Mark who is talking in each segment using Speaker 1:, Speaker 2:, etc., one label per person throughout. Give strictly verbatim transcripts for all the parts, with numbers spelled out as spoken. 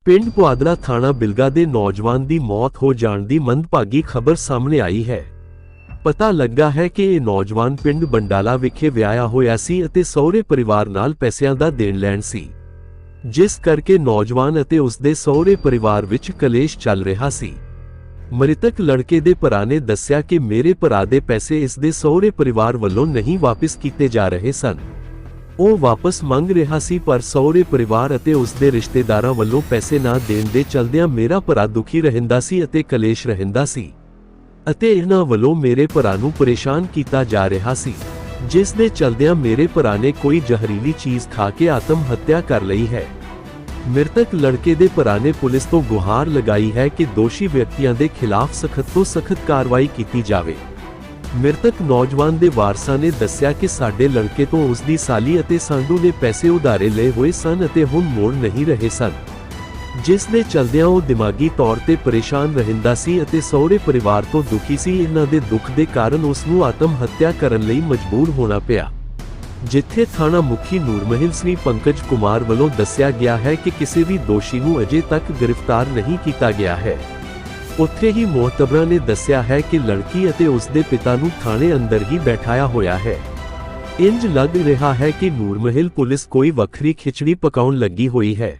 Speaker 1: ਪਿੰਡ ਪੁਆਧਲਾ ਥਾਣਾ ਬਿਲਗਾ ਦੇ ਨੌਜਵਾਨ ਦੀ ਮੌਤ ਹੋ ਜਾਣ ਦੀ ਮੰਦਭਾਗੀ ਖਬਰ ਸਾਹਮਣੇ ਆਈ ਹੈ। ਪਤਾ ਲੱਗਾ ਹੈ ਕਿ ਇਹ ਨੌਜਵਾਨ ਪਿੰਡ ਬੰਡਾਲਾ ਵਿਖੇ ਵਿਆਹਿਆ ਹੋਇਆ ਸੀ ਅਤੇ ਸਹੁਰੇ ਪਰਿਵਾਰ ਨਾਲ ਪੈਸਿਆਂ ਦਾ ਦੇਣ ਲੈਣ ਸੀ, ਜਿਸ ਕਰਕੇ ਨੌਜਵਾਨ ਅਤੇ ਉਸ ਦੇ ਸਹੁਰੇ ਪਰਿਵਾਰ ਵਿੱਚ ਕਲੇਸ਼ ਚੱਲ ਰਿਹਾ ਸੀ। ਮ੍ਰਿਤਕ ਲੜਕੇ ਦੇ ਭਰਾ ਨੇ ਦੱਸਿਆ ਕਿ ਮੇਰੇ ਭਰਾ ਦੇ ਪੈਸੇ ਇਸ ਦੇ ਸਹੁਰੇ ਪਰਿਵਾਰ ਵੱਲੋਂ ਨਹੀਂ ਵਾਪਸ ਕੀਤੇ ਜਾ ਰਹੇ ਸਨ। ਉਹ ਵਾਪਸ ਮੰਗ ਰਿਹਾ ਸੀ, ਪਰ ਸਹੁਰੇ ਪਰਿਵਾਰ ਅਤੇ ਉਸ ਦੇ ਰਿਸ਼ਤੇਦਾਰਾਂ ਵੱਲੋਂ ਪੈਸੇ ਨਾ ਦੇਣ ਦੇ ਚਲਦਿਆਂ ਮੇਰਾ ਭਰਾ ਦੁਖੀ ਰਹਿੰਦਾ ਸੀ ਅਤੇ ਕਲੇਸ਼ ਰਹਿੰਦਾ ਸੀ ਅਤੇ ਇਹਨਾਂ ਵੱਲੋਂ ਮੇਰੇ ਭਰਾ ਨੂੰ ਪਰੇਸ਼ਾਨ ਕੀਤਾ ਜਾ ਰਿਹਾ ਸੀ, ਜਿਸ ਦੇ ਚਲਦਿਆਂ ਮੇਰੇ ਭਰਾ ਨੇ ਕੋਈ ਜ਼ਹਿਰੀਲੀ ਚੀਜ਼ ਖਾ ਕੇ ਆਤਮ ਹੱਤਿਆ ਕਰ ਲਈ ਹੈ। ਮ੍ਰਿਤਕ ਲੜਕੇ ਦੇ ਭਰਾ ਨੇ ਪੁਲਿਸ ਤੋਂ ਗੁਹਾਰ ਲਗਾਈ ਹੈ ਕਿ ਦੋਸ਼ੀ ਵਿਅਕਤੀਆਂ ਦੇ ਖਿਲਾਫ ਸਖਤ ਤੋਂ ਸਖਤ ਕਾਰਵਾਈ ਕੀਤੀ ਜਾਵੇ। ਮ੍ਰਿਤਕ ਨੌਜਵਾਨ ਦੇ ਵਾਰਸਾਂ ਨੇ ਦੱਸਿਆ ਕਿ ਸਾਡੇ ਲੜਕੇ ਤੋਂ ਉਸ ਦੀ ਸਾਲੀ ਅਤੇ ਸਾਂਢੂ ਨੇ ਪੈਸੇ ਉਧਾਰੇ ਲਏ ਹੋਏ ਸਨ ਅਤੇ ਹੁਣ ਮੋੜ ਨਹੀਂ ਰਹੇ ਸਨ, ਜਿਸ ਦੇ ਚਲਦਿਆਂ ਉਹ ਦਿਮਾਗੀ ਤੌਰ ਤੇ ਪਰੇਸ਼ਾਨ ਰਹਿੰਦਾ ਸੀ ਅਤੇ ਸਹੁਰੇ ਪਰਿਵਾਰ ਤੋਂ ਦੁਖੀ ਸੀ। ਇਹਨਾਂ ਦੇ ਦੁੱਖ ਦੇ ਕਾਰਨ ਉਸ ਨੂੰ ਆਤਮ ਹੱਤਿਆ ਕਰਨ ਲਈ ਮਜਬੂਰ ਹੋਣਾ ਪਿਆ। ਜਿੱਥੇ ਥਾਣਾ ਮੁਖੀ ਨੂਰਮਹਿਲ ਸ੍ਰੀ ਪੰਕਜ ਕੁਮਾਰ ਵੱਲੋਂ ਦੱਸਿਆ ਗਿਆ ਹੈ ਕਿ ਕਿਸੇ ਵੀ ਦੋਸ਼ੀ ਨੂੰ ਅਜੇ ਤੱਕ ਗ੍ਰਿਫਤਾਰ ਨਹੀਂ ਕੀਤਾ ਗਿਆ ਹੈ, ਉੱਥੇ ਹੀ ਮੋਹਤਬਰਾਂ ਨੇ ਦੱਸਿਆ ਹੈ ਕਿ ਲੜਕੀ ਅਤੇ ਉਸ ਦੇ ਪਿਤਾ ਨੂੰ ਥਾਣੇ ਅੰਦਰ ਹੀ ਬੈਠਾਇਆ ਹੋਇਆ ਹੈ। ਇੰਜ ਲੱਗ ਰਿਹਾ ਹੈ ਕਿ ਨੂਰਮਹਿਲ ਪੁਲਿਸ ਕੋਈ ਵੱਖਰੀ ਖਿਚੜੀ ਪਕਾਉਣ ਲੱਗੀ ਹੋਈ ਹੈ।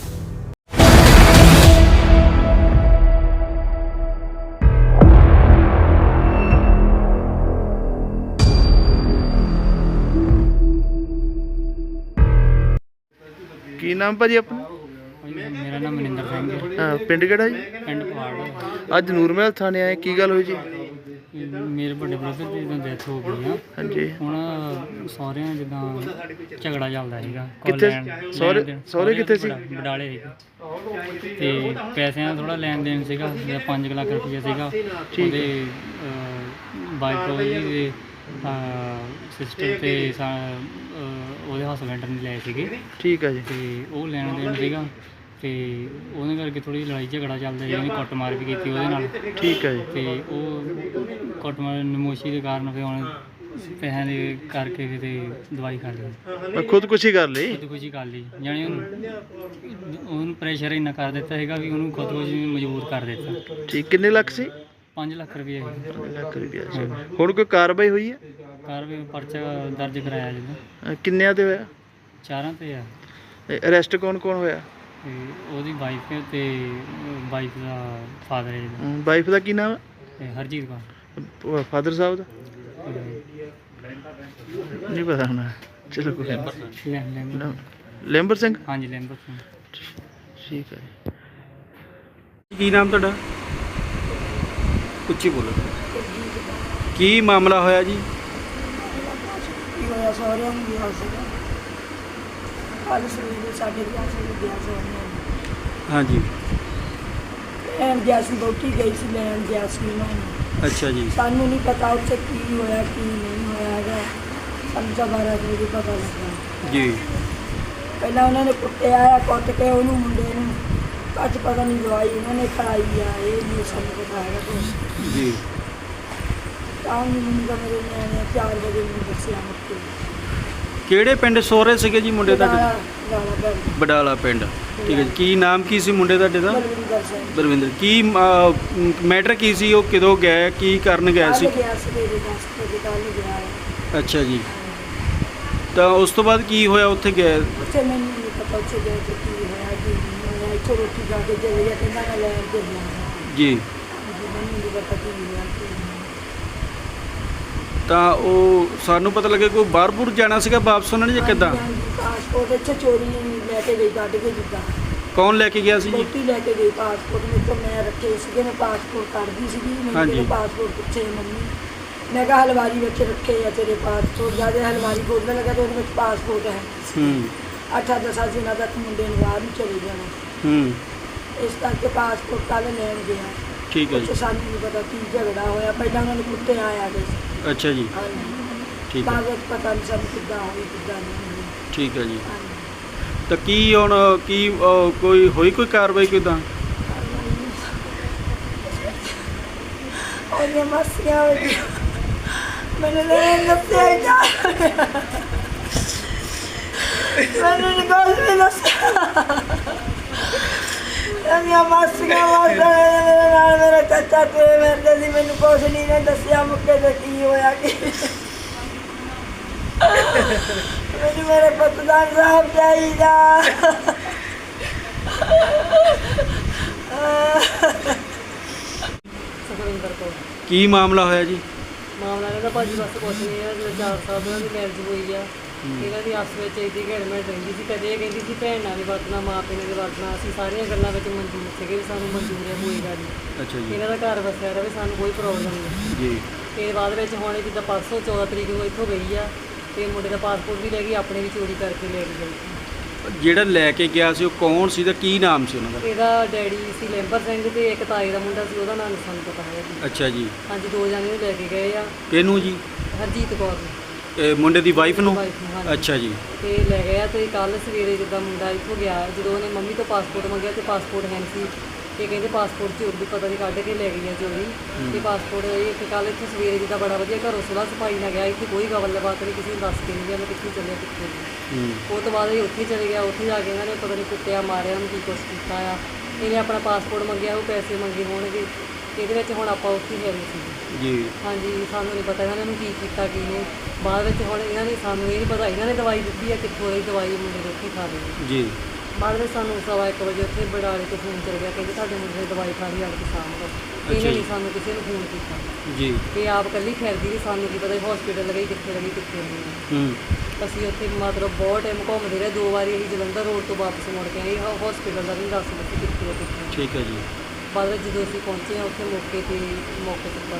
Speaker 2: ਕੀ ਨਾਮ ਭਾਜੀ ਆਪਣਾ?
Speaker 3: ਮੇਰਾ ਨਾਮ ਮਨਿੰਦਰ ਸਿੰਘ ਹੈ।
Speaker 2: ਹਾਂ, ਪਿੰਡ ਕਿਹੜਾ ਜੀ?
Speaker 3: ਪਿੰਡ ਪਵਾੜ।
Speaker 2: ਅੱਜ ਨੂਰਮਹਿਲ ਥਾਣੇ ਆਏ, ਕੀ ਗੱਲ ਹੋਈ ਜੀ?
Speaker 3: ਮੇਰੇ ਵੱਡੇ ਬ੍ਰਦਰ ਦੀ ਜਦੋਂ ਡੈਥ ਹੋ ਗਈ ਆ,
Speaker 2: ਹਾਂਜੀ।
Speaker 3: ਹੁਣ ਸਹੁਰਿਆਂ ਜਿੱਦਾਂ ਝਗੜਾ ਚੱਲਦਾ ਸੀਗਾ।
Speaker 2: ਕਿੱਥੇ ਸਹੁਰੇ? ਸਹੁਰੇ ਕਿੱਥੇ ਸੀ?
Speaker 3: ਬਡਾਲੇ ਸੀਗੇ ਤੇ ਪੈਸਿਆਂ ਦਾ ਥੋੜਾ ਲੈਣ ਦੇਣ ਸੀਗਾ। ਜਿਹੜਾ ਪੰਜ ਲੱਖ ਰੁਪਈਆ ਸੀਗਾ, ਉਹਦੇ ਵਾਈਫ ਉਹਦੇ ਸਿਸਟਰ ਤੇ ਉਹਦੇ ਹਸਬੈਂਡ ਨੇ ਲਏ ਸੀਗੇ। ਠੀਕ ਹੈ ਜੀ। ਤੇ ਉਹ ਲੈਣ ਦੇਣ ਸੀਗਾ ਤੇ ਉਹਦੇ ਕਰਕੇ ਥੋੜੀ ਲੜਾਈ ਝਗੜਾ ਚੱਲਦਾ ਸੀ। ਉਹਨੇ ਕੁੱਟਮਾਰ ਵੀ ਕੀਤੀ ਉਹਦੇ ਨਾਲ। ਠੀਕ ਹੈ ਜੀ। ਤੇ ਉਹ ਕੁੱਟਮਾਰ ਨਮੋਸ਼ੀ ਦੇ ਕਾਰਨ ਫਿਰ ਹੁਣ ਪੈਸਿਆਂ ਦੇ ਕਰਕੇ ਕਿਤੇ ਦਵਾਈ ਕਰ ਲਈ,
Speaker 2: ਖੁਦਕੁਸ਼ੀ ਕਰ ਲਈ।
Speaker 3: ਖੁਦਕੁਸ਼ੀ ਕਰ ਲਈ ਜਾਣੀ ਉਹਨੂੰ ਉਹਨੂੰ ਪ੍ਰੈਸ਼ਰ ਇੰਨਾ ਕਰ ਦਿੱਤਾ ਹੈਗਾ ਵੀ ਉਹਨੂੰ ਖੁਦਕੁਸ਼ੀ ਮਜਬੂਰ ਕਰ ਦਿੱਤਾ। ਠੀਕ। ਕਿੰਨੇ ਲੱਖ ਸੀ? ਪੰਜ ਲੱਖ ਰੁਪਏ। ਲੱਖ ਰੁਪਏ। ਹੁਣ ਕੋਈ ਕਾਰਵਾਈ ਹੋਈ ਹੈ? ਕਾਰਵਾਈ ਪਰਚਾ ਦਰਜ ਕਰਾਇਆ ਜਦੋਂ। ਕਿੰਨਿਆਂ ਤੇ ਹੋਇਆ? ਚਾਰਾਂ ਤੇ ਆ। ਅਰੈਸਟ ਕੌਣ ਕੌਣ ਹੋਇਆ? ਉਹਦੀ ਵਾਈਫ ਤੇ ਵਾਈਫ ਦਾ ਫਾਦਰ ਹੈ। ਵਾਈਫ ਦਾ ਕੀ ਨਾਮ ਹੈ? ਹਰਜੀਤ ਕੌਰ। ਫਾਦਰ ਸਾਹਿਬ ਦਾ ਨਹੀਂ ਪਤਾ ਹੋਣਾ। ਚਲੋ ਕੋਈ ਲੈਂਬਰ ਸਿੰਘ। ਹਾਂਜੀ ਲੈਂਬਰ ਸਿੰਘ। ਠੀਕ ਹੈ।
Speaker 2: ਕੀ ਨਾਮ ਤੁਹਾਡਾ? ਉੱਚੀ ਬੋਲੋ। ਕੀ ਮਾਮਲਾ ਹੋਇਆ ਜੀ?
Speaker 4: ਕੀ ਹੋਇਆ? ਸਹੁਰਿਆਂ ਨੂੰ ਗਿਆ ਸੀਗਾ ਕੱਲ੍ਹ ਸਵੇਰੇ ਸਾਡੇ ਗਿਆ ਸੀ ਗਿਆ ਸਹੁਰਿਆਂ।
Speaker 2: ਹਾਂਜੀ।
Speaker 4: ਲੈਣ ਗਿਆ ਸੀ, ਵਹੁਟੀ ਗਈ ਸੀ ਲੈਣ ਗਿਆ ਸੀ ਉਹਨਾਂ ਨੂੰ।
Speaker 2: ਅੱਛਾ ਜੀ।
Speaker 4: ਸਾਨੂੰ ਨਹੀਂ ਪਤਾ ਉੱਥੇ ਕੀ ਹੋਇਆ ਕੀ ਨਹੀਂ ਹੋਇਆ ਹੈਗਾ। ਸਾਨੂੰ ਤਾਂ ਬਾਰਾਂ ਵਜੇ ਪਤਾ ਲੱਗਾ
Speaker 2: ਜੀ।
Speaker 4: ਪਹਿਲਾਂ ਉਹਨਾਂ ਨੇ ਕੁੱਟਿਆ ਆ, ਕੁੱਟ ਕੇ ਉਹਨੂੰ ਮੁੰਡੇ ਨੂੰ ਅੱਜ ਪਤਾ ਨਹੀਂ ਦਵਾਈ ਉਹਨਾਂ ਨੇ ਖਾਈ ਆ। ਇਹ ਨਹੀਂ ਸਾਨੂੰ ਪਤਾ ਹੈਗਾ ਕੁਛ
Speaker 2: ਜੀ।
Speaker 4: ਤਾਂ ਮੈਨੂੰ ਤਾਂ ਮੇਰੇ ਨਿਆਣੇ ਚਾਰ ਵਜੇ ਮੈਨੂੰ ਦੱਸਿਆ ਮੁੱਕੇ।
Speaker 2: ਕਿਹੜੇ ਪਿੰਡ ਸਹੁਰੇ ਸੀਗੇ ਜੀ ਮੁੰਡੇ ਤੁਹਾਡੇ? ਬਡਾਲਾ ਪਿੰਡ। ਠੀਕ ਹੈ ਜੀ। ਕੀ ਨਾਮ ਕੀ ਸੀ ਮੁੰਡੇ ਤੁਹਾਡੇ ਦਾ?
Speaker 4: ਬਲਵਿੰਦਰ ਸਿੰਘ।
Speaker 2: ਬਲਵਿੰਦਰ। ਕੀ ਮੈਟਰ ਕੀ ਸੀ? ਉਹ ਕਦੋਂ ਗਏ, ਕੀ ਕਰਨ ਗਏ ਸੀ?
Speaker 4: ਗਿਆ ਸਵੇਰੇ ਦਸ ਵਜੇ ਕੱਲ੍ਹ ਗਿਆ ਹੈ।
Speaker 2: ਅੱਛਾ ਜੀ। ਤਾਂ ਉਸ ਤੋਂ ਬਾਅਦ ਕੀ ਹੋਇਆ ਉੱਥੇ ਗਏ?
Speaker 4: ਉੱਥੇ ਮੈਨੂੰ ਨਹੀਂ ਪਤਾ ਉੱਥੇ ਗਏ ਤੇ ਕੀ ਹੋਇਆ ਕੀ ਨਹੀਂ ਹੋਇਆ। ਇੱਥੋਂ ਰੋਟੀ ਖਾ ਕੇ ਚਲੇ ਗਿਆ, ਕਹਿੰਦਾ ਮੈਂ ਲੈਣ ਕੇ ਜਾਣਾ
Speaker 2: ਜੀ।
Speaker 4: ਮੈਨੂੰ ਨਹੀਂ ਪਤਾ ਕੀ ਹੋਇਆ ਕੀ ਨਹੀਂ।
Speaker 2: ਤਾਂ ਉਹ ਸਾਨੂੰ ਪਤਾ ਲੱਗਿਆ ਕੋਈ ਬਾਹਰ ਬੂਰ ਜਾਣਾ ਸੀਗਾ ਵਾਪਸ ਉਹਨਾਂ ਨੇ ਜਾਂ ਕਿੱਦਾਂ?
Speaker 4: ਪਾਸਪੋਰਟ ਇੱਥੇ ਚੋਰੀ ਲੈ ਕੇ ਗਈ, ਕੱਢ ਕੇ ਜਿੱਦਾਂ।
Speaker 2: ਕੌਣ ਲੈ ਕੇ ਗਿਆ ਸੀ ਜੀ?
Speaker 4: ਰੋਟੀ ਲੈ ਕੇ ਗਈ। ਪਾਸਪੋਰਟ ਮੇਰੇ ਤੋਂ ਮੈਂ ਰੱਖੇ ਸੀਗੇ, ਮੈਂ ਪਾਸਪੋਰਟ ਕੱਢਦੀ ਸੀਗੀ। ਮੈਨੂੰ ਪਾਸਪੋਰਟ ਪੁੱਛੇ ਮੰਮੀ, ਮੈਂ ਕਿਹਾ ਹਲਵਾਰੀ ਵਿੱਚ ਰੱਖੇ ਆ ਤੇਰੇ ਪਾਸਪੋਰਟ। ਜਦ ਹਲਵਾਰੀ ਖੋਲ੍ਹਣ ਲੱਗਾ ਤਾਂ ਉਹਦੇ ਵਿੱਚ ਪਾਸਪੋਰਟ ਹੈ। ਹੂੰ। ਅੱਠਾਂ ਦਸਾਂ ਦਿਨਾਂ ਤੱਕ ਮੁੰਡੇ ਨੂੰ ਬਾਹਰ ਨੂੰ ਚਲੇ ਜਾਣਾ। ਹੂੰ। ਇਸ ਕਰਕੇ ਪਾਸਪੋਰਟ ਕੱਲ੍ਹ ਲੈਣ ਗਿਆ। ਠੀਕ ਹੈ ਜੀ। ਸਾਨੂੰ ਨਹੀਂ ਪਤਾ ਕੀ ਝਗੜਾ ਹੋਇਆ। ਪਹਿਲਾਂ ਉਹਨਾਂ ਨੂੰ ਕੁੱਤੇ ਆਇਆ ਗਏ ਸੀ। ਅੱਛਾ ਜੀ। ਹਾਂਜੀ। ਠੀਕ ਹੈ। ਬਾਅਦ ਵਿੱਚ ਪਤਾ ਨਹੀਂ ਸਾਨੂੰ ਕਿੱਦਾਂ ਹੋਈ ਕਿੱਦਾਂ ਨਹੀਂ ਹੋਈ। ਠੀਕ ਹੈ ਜੀ। ਤਾਂ ਕੀ ਹੁਣ ਕੀ ਕੋਈ ਹੋਈ ਕੋਈ ਕਾਰਵਾਈ ਕਿੱਦਾਂ? ਉਹਨੇ ਮਸਿਆ ਮੈਨੂੰ ਲੈਣ ਦੱਸਿਆ ਹੀ ਜਾ ਮੈਨੂੰ ਨਹੀਂ ਕੁਛ ਵੀ ਦੱਸਿਆ। ਦੀਆਂ ਮਾਸੀਆਂ ਮਾਸਾ ਮੇਰੇ ਨਾਲ ਮੇਰਾ ਚਾਚਾ ਤੇ ਮੇਰੇ ਸੀ ਮੈਨੂੰ ਕੁਛ ਨਹੀਂ ਨੇ ਦੱਸਿਆ ਮੁੱਕੇ ਤੇ ਕੀ ਹੋਇਆ ਕਿ ਮੈਨੂੰ ਮੇਰੇ ਪੁੱਤ ਦਾ ਇਨਸਾਫ਼ ਚਾਹੀਦਾ।
Speaker 5: ਸੁਖਵਿੰਦਰ ਕੌਰ।
Speaker 2: ਕੀ ਮਾਮਲਾ ਹੋਇਆ ਜੀ?
Speaker 5: ਮਾਮਲਾ ਇਹਦਾ ਭਾਜੀ ਬਸ ਕੁਛ ਨਹੀਂ ਹੈ। ਜਦੋਂ ਚਾਰ ਸਾਲ ਦੀ ਉਹਨਾਂ ਦੀ ਮੈਰਿਜ ਹੋਈ ਆ, ਇਹਨਾਂ ਦੀ ਆਪਸ ਵਿੱਚ ਇਹਦੀ ਘੜਮੈਟ ਰਹਿੰਦੀ ਸੀ। ਕਦੇ ਇਹ ਕਹਿੰਦੀ ਸੀ ਭੈਣ ਨਾਲ ਨਹੀਂ ਵਰਤਣਾ, ਮਾਂ ਪਿਓ ਨਾਲ ਨਹੀਂ ਵਰਤਣਾ। ਅਸੀਂ ਸਾਰੀਆਂ ਗੱਲਾਂ ਵਿੱਚ ਮਨਜ਼ੂਰ ਸੀਗੇ ਵੀ ਸਾਨੂੰ ਮਨਜ਼ੂਰ ਹੈ, ਕੋਈ ਗੱਲ ਨਹੀਂ।
Speaker 2: ਅੱਛਾ ਜੀ।
Speaker 5: ਇਹਨਾਂ ਦਾ ਘਰ ਵਸਿਆ ਰਹੇ, ਸਾਨੂੰ ਕੋਈ ਪ੍ਰੋਬਲਮ ਨਹੀਂ।
Speaker 2: ਜੀ।
Speaker 5: ਤੇ ਬਾਅਦ ਵਿੱਚ ਹੁਣ ਜਿੱਦਾਂ ਪਰਸੋਂ ਚੌਦਾਂ ਤਰੀਕ ਨੂੰ ਇੱਥੋਂ ਗਈ ਆ ਤੇ ਮੁੰਡੇ ਦਾ ਪਾਸਪੋਰਟ ਵੀ ਲੈ ਗਈ, ਆਪਣੇ ਵੀ ਚੋਰੀ ਕਰਕੇ ਲੈ ਕੇ ਗਈ।
Speaker 2: ਜਿਹੜਾ ਲੈ ਕੇ ਗਿਆ ਸੀ ਉਹ ਕੌਣ ਸੀ ਤੇ ਕੀ ਨਾਮ ਸੀ ਉਹਨਾਂ ਦਾ?
Speaker 5: ਇਹਦਾ ਡੈਡੀ ਸੀ ਲੈਂਬਰ ਸਿੰਘ ਤੇ ਇੱਕ ਤਾਏ ਦਾ ਮੁੰਡਾ ਸੀ, ਉਹਦਾ ਨਾਮ ਨਹੀਂ ਸਾਨੂੰ ਪਤਾ ਹੈ ਜੀ।
Speaker 2: ਅੱਛਾ ਜੀ।
Speaker 5: ਹਾਂਜੀ, ਦੋ ਜਾਣੇ ਨੂੰ ਲੈ ਕੇ ਗਏ ਆ।
Speaker 2: ਕਿਹਨੂੰ ਜੀ?
Speaker 5: ਹਰਜੀਤ ਕੌਰ ਨੂੰ।
Speaker 2: ਇਹ ਮੁੰਡੇ ਦੀ ਵਾਈਫ ਨੂੰ?
Speaker 5: ਵਾਈਫ ਨੂੰ, ਹਾਂਜੀ।
Speaker 2: ਅੱਛਾ ਜੀ।
Speaker 5: ਤੇ ਲੈ ਗਿਆ ਤੇ ਕੱਲ ਸਵੇਰੇ ਜਿੱਦਾਂ ਮੁੰਡਾ ਇੱਥੋਂ ਗਿਆ, ਜਦੋਂ ਉਹਨੇ ਮੰਮੀ ਤੋਂ ਪਾਸਪੋਰਟ ਮੰਗਿਆ ਤੇ ਪਾਸਪੋਰਟ ਹੈ ਨਹੀਂ ਸੀ। ਤੇ ਕਹਿੰਦੇ ਪਾਸਪੋਰਟ ਚੋਰ ਦੀ ਪਤਾ ਨਹੀਂ ਕੱਢ ਕੇ ਲੈ ਗਈ ਆ ਚੋਰੀ। ਤੇ ਪਾਸਪੋਰਟ ਇਹ ਤੇ ਕੱਲ ਇੱਥੇ ਸਵੇਰੇ ਜਿੱਦਾਂ ਬੜਾ ਵਧੀਆ ਘਰੋਂ ਸੁਲਾ ਸਫਾਈ ਨਾਲ ਗਿਆ, ਇੱਥੇ ਕੋਈ ਗੱਲਬਾਤ ਨਹੀਂ, ਕਿਸੇ ਨੂੰ ਦੱਸ ਕੇ ਨਹੀਂ ਗਿਆ ਮੈਂ ਕਿੱਥੇ ਚੱਲਿਆ ਕਿੱਥੇ ਨਹੀਂ। ਉਹ ਤੋਂ ਬਾਅਦ ਇਹ ਉੱਥੇ ਚਲੇ ਗਿਆ। ਉੱਥੇ ਜਾ ਕੇ ਇਹਨਾਂ ਨੇ ਪਤਾ ਨਹੀਂ ਕੁੱਟਿਆ ਮਾਰਿਆ, ਉਹਨੂੰ ਕੀ ਕੁਛ ਕੀਤਾ ਆ। ਇਹਨੇ ਆਪਣਾ ਪਾਸਪੋਰਟ ਮੰਗਿਆ, ਉਹ ਪੈਸੇ ਮੰਗੇ ਹੋਣਗੇ। ਇਹਦੇ ਵਿੱਚ ਹੁਣ ਆਪਾਂ ਉੱਥੇ ਹੈ ਨਹੀਂ ਸੀ
Speaker 2: ਜੀ।
Speaker 5: ਹਾਂਜੀ, ਸਾਨੂੰ ਨਹੀਂ ਪਤਾ ਇਹਨਾਂ ਨੇ ਕੀ ਕੀਤਾ ਕੀ ਨਹੀਂ। ਬਾਅਦ ਵਿੱਚ ਹੁਣ ਇਹਨਾਂ ਨੇ ਸਾਨੂੰ ਇਹ ਨਹੀਂ ਪਤਾ ਇਹਨਾਂ ਨੇ ਦਵਾਈ ਦਿੱਤੀ ਆ ਕਿੱਥੋਂ ਇਹ ਦਵਾਈ ਮੁੰਡੇ ਦੇ ਉੱਥੇ ਖਾ ਲਈ।
Speaker 2: ਜੀ।
Speaker 5: ਬਾਅਦ ਵਿੱਚ ਸਾਨੂੰ ਸਵਾ ਇੱਕ ਵਜੇ ਉੱਥੇ ਬਡਾਲੇ ਤੋਂ ਫੋਨ ਚੱਲ ਗਿਆ, ਕਹਿੰਦੇ ਤੁਹਾਡੇ ਮੁੰਡੇ ਦੀ ਦਵਾਈ ਖਾ ਲਈ, ਆ ਕੇ ਸ਼ਾਮ ਨੂੰ। ਇਹਨੇ ਨਹੀਂ ਸਾਨੂੰ ਕਿਸੇ ਨੂੰ ਫੋਨ ਕੀਤਾ
Speaker 2: ਜੀ।
Speaker 5: ਤੇ ਆਪ ਇਕੱਲੀ ਫਿਰਦੀ ਰਹੀ, ਸਾਨੂੰ ਕੀ ਪਤਾ ਹਸਪੀਟਲ ਲੱਗੀ ਕਿੱਥੇ ਲੱਗੀ ਕਿੱਥੇ ਨਹੀਂ।
Speaker 2: ਹੂੰ।
Speaker 5: ਅਸੀਂ ਉੱਥੇ ਮਤਲਬ ਬਹੁਤ ਟਾਈਮ ਘੁੰਮਦੇ ਰਹੇ। ਦੋ ਵਾਰੀ ਅਸੀਂ ਜਲੰਧਰ ਰੋਡ ਤੋਂ ਵਾਪਸ ਮੁੜ ਕੇ ਆਏ, ਹਸਪੀਟਲ ਦਾ ਵੀ ਨਹੀਂ ਦੱਸ ਦਿੱਤੀ ਕਿੱਥੇ ਆ ਕਿੱਥੇ।
Speaker 2: ਠੀਕ ਹੈ ਜੀ।
Speaker 5: ਬਾਅਦ ਵਿੱਚ ਜਦੋਂ ਅਸੀਂ ਪਹੁੰਚੇ ਹਾਂ ਉੱਥੇ ਮੌਕੇ ਤੇ ਮੌਕੇ ਤੇ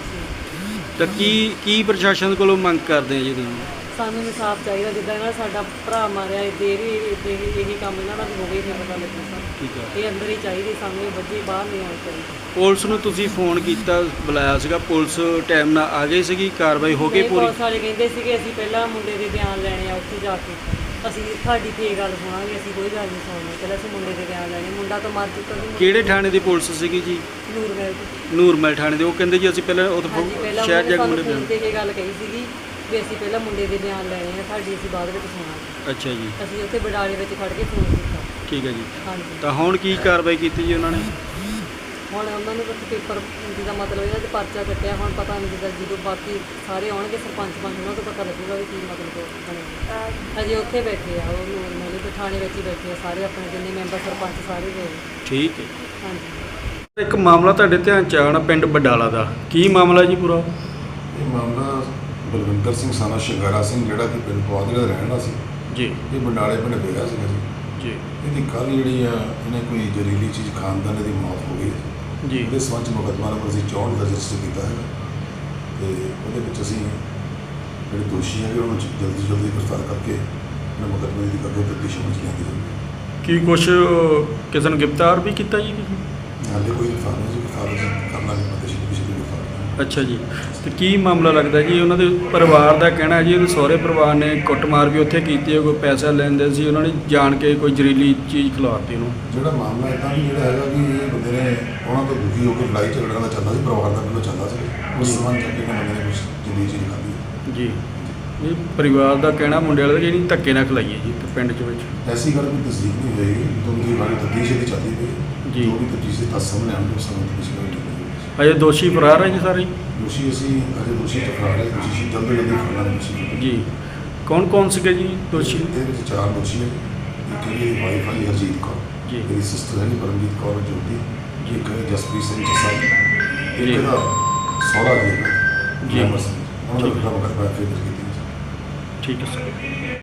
Speaker 5: ਬਸ
Speaker 2: ਤਾਂ ਕੀ ਕੀ ਪ੍ਰਸ਼ਾਸਨ ਕੋਲੋਂ ਮੰਗ ਕਰਦੇ ਆ ਜੀ ਤੁਸੀਂ?
Speaker 5: ਸਾਨੂੰ ਇਨਸਾਫ਼ ਚਾਹੀਦਾ। ਜਿੱਦਾਂ ਇਹਨਾਂ ਦਾ ਸਾਡਾ ਭਰਾ ਮਾਰਿਆ, ਇੱਦਾਂ ਵੀ ਇੱਦਾਂ ਹੀ ਇਹੀ ਕੰਮ ਇਹਨਾਂ ਦਾ ਵੀ ਹੋਵੇ ਫਿਰ ਪਤਾ ਲੱਗੇ ਸਾਨੂੰ।
Speaker 2: ਠੀਕ ਹੈ।
Speaker 5: ਇਹ ਅੰਦਰ ਹੀ ਚਾਹੀਦੇ, ਸਾਨੂੰ ਇਹ ਬੱਚੇ ਬਾਹਰ ਨਹੀਂ ਆਉਣੇ ਚਾਹੀਦੇ।
Speaker 2: ਪੁਲਿਸ ਨੂੰ ਤੁਸੀਂ ਫੋਨ ਕੀਤਾ, ਬੁਲਾਇਆ ਸੀਗਾ, ਪੁਲਿਸ ਟਾਈਮ ਨਾਲ ਆ ਗਈ ਸੀਗੀ, ਕਾਰਵਾਈ ਹੋ ਗਈ
Speaker 5: ਨਹੀਂ,
Speaker 2: ਪੂਰੀ?
Speaker 5: ਪੁਲਿਸ ਵਾਲੇ ਕਹਿੰਦੇ ਸੀਗੇ ਅਸੀਂ ਪਹਿਲਾਂ ਮੁੰਡੇ ਦੇ ਬਿਆਨ ਲੈਣੇ ਆ ਉੱਥੇ ਜਾ ਕੇ, ਅਸੀਂ ਤੁਹਾਡੀ ਤੇ ਗੱਲ ਸੁਣਾਂਗੇ, ਅਸੀਂ ਕੋਈ ਗੱਲ ਨਹੀਂ ਸੁਣਨੀ, ਪਹਿਲਾਂ ਅਸੀਂ ਮੁੰਡੇ ਦੇ ਬਿਆਨ ਲੈਣੇ। ਮੁੰਡਾ ਤਾਂ ਮਰ ਚੁੱਕਾ ਸੀ।
Speaker 2: ਕਿਹੜੇ ਥਾਣੇ ਦੀ ਪੁਲਿਸ ਸੀਗੀ ਜੀ?
Speaker 5: ਨੂਰਮਹਿਲ ਦੀ।
Speaker 2: ਨੂਰਮਹਿਲ ਥਾਣੇ ਦੇ। ਉਹ ਕਹਿੰਦੇ ਜੀ ਅਸੀਂ ਪਹਿਲਾਂ ਉੱਥੇ
Speaker 5: ਹਾਂਜੀ, ਪਹਿਲਾਂ
Speaker 2: ਸ਼ਹਿਰ ਜਾ ਕੇ
Speaker 5: ਸਾਨੂੰ
Speaker 2: ਮੁੰਡੇ
Speaker 5: ਫੋਨ
Speaker 2: ਬਿਆਨ।
Speaker 5: ਤੇ ਇਹ ਗੱਲ ਕਹੀ ਸੀਗੀ ਵੀ ਅਸੀਂ ਪਹਿਲਾਂ ਮੁੰਡੇ ਦੇ ਬਿਆਨ ਲੈਣੇ ਆ, ਤੁਹਾਡੀ ਅਸੀਂ ਬਾਅਦ ਵਿੱਚ ਸੁਣਾਂਗੇ।
Speaker 2: ਅੱਛਾ ਜੀ।
Speaker 5: ਅਸੀਂ ਉੱਥੇ ਬਡਾਲੇ ਵਿੱਚ ਖੜ ਕੇ ਫੋਨ ਕੀਤਾ।
Speaker 2: ਠੀਕ ਹੈ ਜੀ।
Speaker 5: ਹਾਂਜੀ।
Speaker 2: ਤਾਂ ਹੁਣ ਕੀ ਕਾਰਵਾਈ ਕੀਤੀ ਜੀ ਉਹਨਾਂ ਨੇ?
Speaker 5: ਹੁਣ ਉਹਨਾਂ ਨੇ ਬਸ ਪੇਪਰ ਜਿਹਦਾ ਮਤਲਬ ਇਹਨਾਂ ਤੇ ਪਰਚਾ ਕੱਟਿਆ। ਹੁਣ ਪਤਾ ਨਹੀਂ ਜਿੱਦਾਂ ਜਦੋਂ ਬਾਕੀ ਸਾਰੇ ਆਉਣਗੇ ਸਰਪੰਚ ਪੰਚ, ਉਹਨਾਂ ਤੋਂ ਪਤਾ ਲੱਗੂਗਾ ਵੀ ਕੀ ਮਤਲਬ ਬਣੇਗਾ। ਹਜੇ ਉੱਥੇ ਬੈਠੇ ਆ ਉਹ ਨਾਲੇ ਥਾਣੇ ਵਿੱਚ ਹੀ ਬੈਠੇ ਆ ਸਾਰੇ, ਆਪਣੇ ਜਿੰਨੇ ਮੈਂਬਰ ਸਰਪੰਚ ਸਾਰੇ ਗਏ।
Speaker 2: ਠੀਕ ਹੈ।
Speaker 5: ਹਾਂਜੀ।
Speaker 2: ਇੱਕ ਮਾਮਲਾ ਤੁਹਾਡੇ ਧਿਆਨ ਚ ਆਉਣਾ ਪਿੰਡ ਬਡਾਲਾ ਦਾ, ਕੀ ਮਾਮਲਾ ਜੀ ਪੂਰਾ?
Speaker 6: ਇਹ ਮਾਮਲਾ ਬਲਵਿੰਦਰ ਸਿੰਘ ਸਾਨਾ ਸ਼ਿੰਗਾਰਾ ਸਿੰਘ, ਜਿਹੜਾ ਕਿ ਪਿੰਡ ਪਵਾਦੜੇ ਦਾ ਰਹਿਣ ਵਾਲਾ ਸੀ
Speaker 2: ਜੀ।
Speaker 6: ਇਹ ਬੰਡਾਲੇ ਪਿੰਡ ਵਿਆਹਿਆ ਸੀਗਾ ਜੀ।
Speaker 2: ਜੀ।
Speaker 6: ਇਹਦੀ ਕੱਲ੍ਹ ਜਿਹੜੀ ਆ ਇਹਨੇ ਕੋਈ ਜ਼ਹਿਰੀਲੀ ਚੀਜ਼ ਖਾਣ ਦਾ ਇਹਦੀ ਮੌਤ ਹੋ ਗਈ
Speaker 2: ਜੀ।
Speaker 6: ਉਹਦੇ ਸੰਬੰਧ 'ਚ ਮੁਕੱਦਮਾ ਨੰਬਰ ਅਸੀਂ ਚੌਂਹਠ ਦਾ ਰਜਿਸਟਰ ਕੀਤਾ ਹੈਗਾ ਤੇ ਉਹਦੇ ਵਿੱਚ ਅਸੀਂ ਜਿਹੜੇ ਦੋਸ਼ੀ ਹੈਗੇ ਉਹਨਾਂ ਨੂੰ ਜਲਦੀ ਤੋਂ ਜਲਦੀ ਗ੍ਰਿਫਤਾਰ ਕਰਕੇ ਇਹਨਾਂ ਮੁਕੱਦਮੇ ਦੀ ਅੱਗੇ ਤਫਤੀਸ਼ ਵਿੱਚ ਲਿਆਂਦੀ ਜਾਊਗੀ।
Speaker 2: ਕੀ ਕੁਛ ਕਿਸੇ ਨੂੰ ਗ੍ਰਿਫਤਾਰ ਵੀ ਕੀਤਾ ਜੀ ਤੁਸੀਂ?
Speaker 6: ਹਾਲੇ ਕੋਈ ਗ੍ਰਿਫਤਾਰ ਨਹੀਂ ਜੀ, ਗ੍ਰਿਫਤਾਰ ਕਰਨਾ ਨਹੀਂ ਪਤਾ ਸੀ ਕਿਸੇ ਨੂੰ ਗ੍ਰਿਫਤਾਰ।
Speaker 2: ਅੱਛਾ ਜੀ। ਤੇ ਕੀ ਮਾਮਲਾ ਲੱਗਦਾ ਜੀ? ਉਹਨਾਂ ਦੇ ਪਰਿਵਾਰ ਦਾ ਕਹਿਣਾ ਜੀ ਉਹਦੇ ਸਹੁਰੇ ਪਰਿਵਾਰ ਨੇ ਕੁੱਟਮਾਰ ਵੀ ਉੱਥੇ ਕੀਤੀ ਹੈ, ਕੋਈ ਪੈਸਾ ਲੈਂਦੇ ਸੀ, ਉਹਨਾਂ ਨੇ ਜਾਣ ਕੇ ਕੋਈ ਜ਼ਹਿਰੀਲੀ ਚੀਜ਼ ਖਿਲਾਤੀ ਉਹਨੂੰ।
Speaker 6: ਜਿਹੜਾ ਮਾਮਲਾ ਇੱਦਾਂ ਵੀ ਜਿਹੜਾ ਹੈਗਾ ਕਿ ਇਹ ਬੰਦੇ ਨੇ ਉਹਨਾਂ ਤੋਂ ਦੁਖੀ ਹੋ ਕੇ ਲੜਾਈ ਝਗੜਾ ਦਾ ਚੱਲਦਾ ਸੀ, ਪਰਿਵਾਰ ਦਾ ਪਹਿਲਾਂ ਚੱਲਦਾ ਸੀ, ਉਸ ਸੰਬੰਧ ਚੱਕੇ ਨੇ ਬੰਦੇ ਨੇ ਕੁਛ ਜਿੰਦੀ ਚੀਜ਼ ਖਾਧੀ
Speaker 2: ਜੀ। ਇਹ ਪਰਿਵਾਰ ਦਾ ਕਹਿਣਾ ਮੁੰਡੇ ਵਾਲੇ ਦਾ ਜਿਹੜੀ ਧੱਕੇ ਨਾਲ ਖਿਲਾਈ ਹੈ ਜੀ ਇੱਕ ਪਿੰਡ ਚ ਵਿੱਚ।
Speaker 6: ਐਸੀ ਗੱਲ ਕੋਈ ਤਸਦੀਕ ਨਹੀਂ ਹੋਏਗੀ, ਕਿਉਂਕਿ ਬਾਰੇ ਤਫਤੀਸ਼ ਦੀ ਚੱਲਦੀ ਪਈ
Speaker 2: ਜੀ।
Speaker 6: ਜੋ ਵੀ ਤਫਤੀਸ਼ ਦੇ ਤੱਥ ਸਾਹਮਣੇ ਆਉਣਗੇ ਉਸ ਸਮੇਂ ਤਫਤੀਸ਼ ਕਰਾਂਗੇ।
Speaker 2: ਅਜੇ ਦੋਸ਼ੀ ਫਰਾਰ ਹੈ ਜੀ ਸਾਰੇ?
Speaker 6: ਦੋਸ਼ੀ ਅਸੀਂ ਅਜੇ ਦੋਸ਼ੀ ਤੋਂ ਫਰਾਰ ਹੈ, ਦੋਸ਼ੀ ਜਲਦੀ ਜਲਦੀ ਫੜਨਾ ਦੋਸ਼ੀ
Speaker 2: ਜੀ। ਕੌਣ ਕੌਣ ਸੀਗੇ ਜੀ ਦੋਸ਼ੀ?
Speaker 6: ਇਹਦੇ ਵਿੱਚ ਚਾਰ ਦੋਸ਼ੀ ਹੈ। ਇੱਕ ਇਹਦੀ ਵਾਈਫ ਹੈ ਹਰਜੀਤ ਕੌਰ
Speaker 2: ਜੀ।
Speaker 6: ਇਹਦੀ ਸਿਸਟਰ ਹੈ ਪਰਮਜੀਤ ਕੌਰ ਜੋਤੀ ਜੀ। ਇੱਕ ਹੈ ਜਸਪ੍ਰੀਤ ਸਿੰਘ ਜੱਸਾ,
Speaker 2: ਜੀ।
Speaker 6: ਇੱਕ ਇਹਦਾ ਸਹੁਰਾ ਜੀ ਹੈ
Speaker 2: ਜੀ।
Speaker 6: ਉਹਨਾਂ ਦਾ ਮੁਕੱਦਮਾ ਫਿਰ ਕੀਤੀ।
Speaker 2: ਠੀਕ ਹੈ ਸਰ।